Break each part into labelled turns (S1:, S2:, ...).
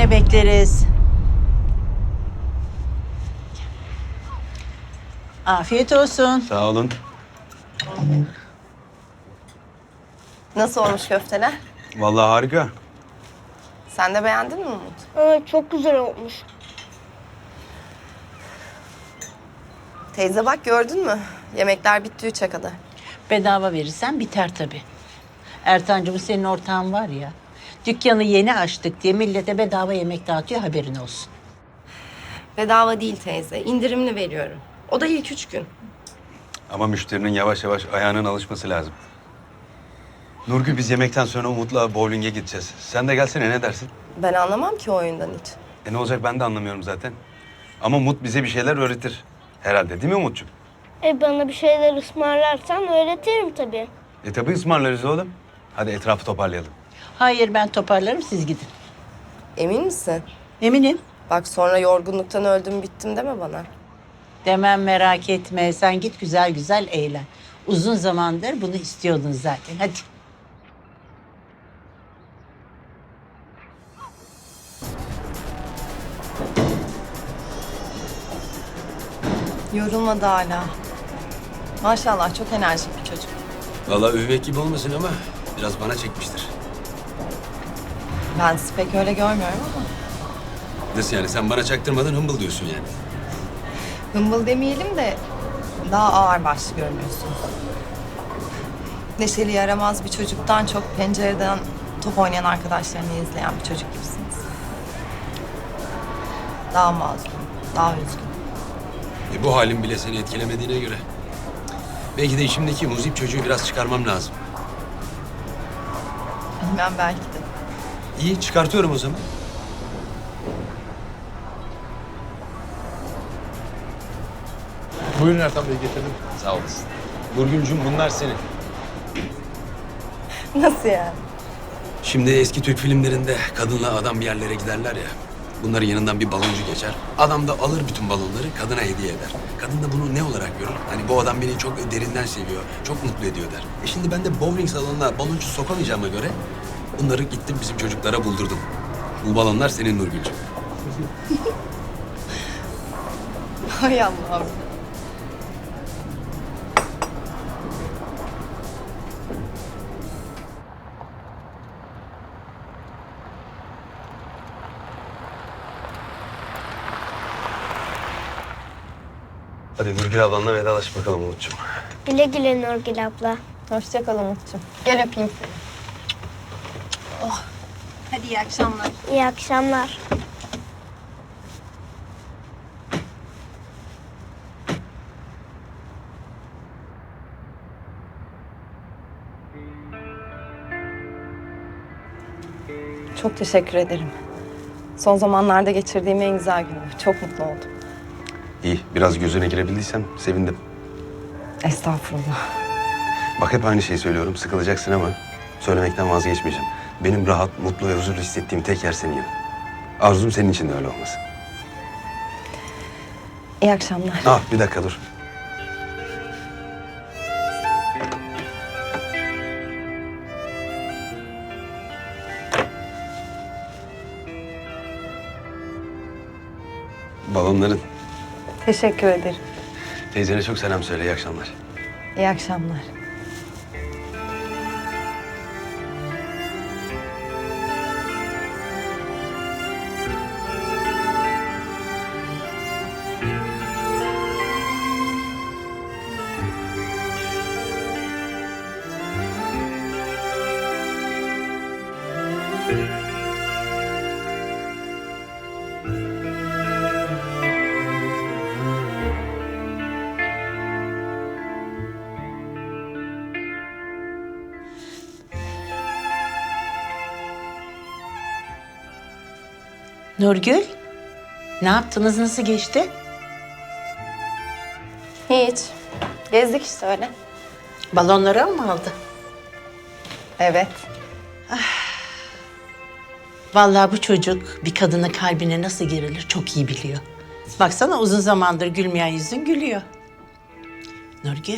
S1: Yine bekleriz. Afiyet olsun.
S2: Sağ olun.
S3: Nasıl olmuş köfteler?
S2: Vallahi harika.
S3: Sen de beğendin mi Umut?
S4: Evet, çok güzel olmuş.
S3: Teyze bak gördün mü? Yemekler bitti 3'e kadar.
S1: Bedava verirsen biter tabii. Ertancığım senin ortağın var ya. Dükkanı yeni açtık diye millete bedava yemek dağıtıyor, haberin olsun.
S3: Bedava değil teyze. İndirimli veriyorum. O da ilk 3 gün.
S2: Ama müşterinin yavaş yavaş ayağının alışması lazım. Nurgül, biz yemekten sonra Umut'la bowling'e gideceğiz. Sen de gelsene, ne dersin?
S3: Ben anlamam ki o oyundan hiç.
S2: Ne olacak, ben de anlamıyorum zaten. Ama Umut bize bir şeyler öğretir. Herhalde, değil mi Umut'cum?
S4: Bana bir şeyler ısmarlarsan öğretirim tabii.
S2: Tabii ısmarlarız oğlum. Hadi etrafı toparlayalım.
S1: Hayır, ben toparlarım, siz gidin.
S3: Emin misin?
S1: Eminim.
S3: Bak sonra yorgunluktan öldüm bittim deme bana.
S1: Demem, merak etme. Sen git güzel güzel eğlen. Uzun zamandır bunu istiyordun zaten. Hadi.
S3: Yorulmadı hala. Maşallah çok enerjik bir çocuk.
S5: Vallahi övmek gibi olmasın ama biraz bana çekmiştir.
S3: Ben sizi pek öyle görmüyorum ama.
S5: Nasıl yani, sen bana çaktırmadan hımbıl diyorsun yani.
S3: Hımbıl demeyelim de daha ağırbaşlı görünüyorsunuz. Neşeli yaramaz bir çocuktan çok pencereden top oynayan arkadaşlarını izleyen bir çocuk gibisiniz. Daha mazlum, daha üzgün.
S5: Bu halim bile seni etkilemediğine göre. Belki de içimdeki muzip çocuğu biraz çıkarmam lazım.
S3: Bilmem belki de.
S5: İyi, çıkartıyorum o zaman.
S6: Buyurun Ertan Bey, getirdim.
S5: Sağ olasın. Nurgül'cüm, bunlar senin.
S3: Nasıl yani?
S5: Şimdi eski Türk filmlerinde kadınla adam bir yerlere giderler ya. Bunların yanından bir baloncu geçer. Adam da alır bütün balonları, kadına hediye eder. Kadın da bunu ne olarak görür? Hani bu adam beni çok derinden seviyor, çok mutlu ediyor der. Şimdi ben de bowling salonuna baloncu sokamayacağıma göre bunları gittim bizim çocuklara buldurdum. Bu balonlar senin Nurgül'cüm.
S3: Hay Allah'ım.
S2: Hadi Nurgül ablanla vedalaş bakalım Umut'cum.
S4: Güle güle Nurgül abla.
S3: Hoşça kal Umut'cum. Gel öpeyim seni.
S1: Hadi iyi akşamlar.
S4: İyi akşamlar.
S3: Çok teşekkür ederim. Son zamanlarda geçirdiğim en güzel gündü. Çok mutlu oldum.
S2: İyi, biraz gözüne girebildiysem sevindim.
S3: Estağfurullah.
S2: Bak, hep aynı şeyi söylüyorum, sıkılacaksın ama söylemekten vazgeçmeyeceğim. Benim rahat, mutlu ve huzurlu hissettiğim tek yer senin yanın. Arzum senin için de öyle olması.
S3: İyi akşamlar.
S2: Bir dakika dur. Balonların.
S3: Teşekkür ederim.
S2: Teyzene çok selam söyle, iyi akşamlar.
S3: İyi akşamlar.
S1: Nurgül, ne yaptınız, nasıl geçti?
S3: Hiç. Gezdik işte öyle.
S1: Balonları mı aldı?
S3: Evet.
S1: Vallahi bu çocuk bir kadının kalbine nasıl girilir çok iyi biliyor. Baksana, uzun zamandır gülmeyen yüzün gülüyor. Nurgül,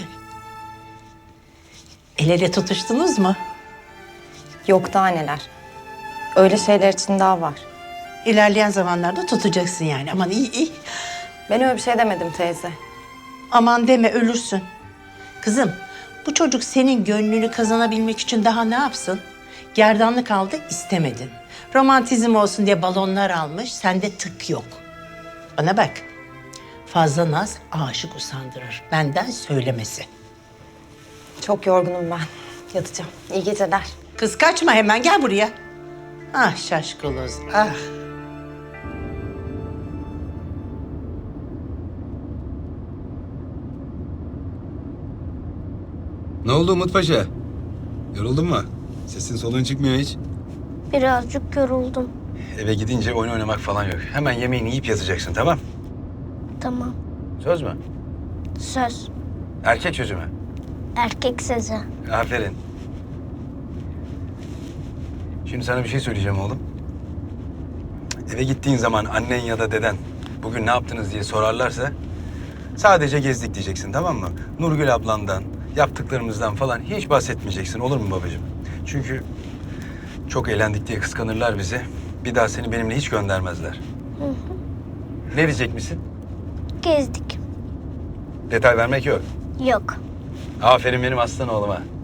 S1: el ele tutuştunuz mu?
S3: Yok daha neler. Öyle şeyler için daha var.
S1: İlerleyen zamanlarda tutacaksın yani. Aman iyi iyi.
S3: Ben öyle bir şey demedim teyze.
S1: Aman deme ölürsün. Kızım bu çocuk senin gönlünü kazanabilmek için daha ne yapsın? Gerdanlık aldı istemedin. Romantizm olsun diye balonlar almış. Sende tık yok. Bana bak. Fazla naz aşık usandırır. Benden söylemesi.
S3: Çok yorgunum ben. Yatacağım. İyi geceler.
S1: Kız kaçma hemen gel buraya. Ah şaşkaloz ah.
S5: Ne oldu Umut Paşa? Yoruldun mu? Sesin soluğun çıkmıyor hiç.
S4: Birazcık yoruldum.
S5: Eve gidince oyun oynamak falan yok. Hemen yemeğini yiyip yatacaksın, tamam?
S4: Tamam.
S5: Söz mü?
S4: Söz.
S5: Erkek sözü mü?
S4: Erkek sözü.
S5: Aferin. Şimdi sana bir şey söyleyeceğim oğlum. Eve gittiğin zaman annen ya da deden bugün ne yaptınız diye sorarlarsa sadece gezdik diyeceksin, tamam mı? Nurgül ablandan, yaptıklarımızdan falan hiç bahsetmeyeceksin, olur mu babacığım? Çünkü çok eğlendik diye kıskanırlar bizi. Bir daha seni benimle hiç göndermezler. Ne diyecek misin?
S4: Gezdik.
S5: Detay vermek yok.
S4: Yok.
S5: Aferin benim aslan oğluma.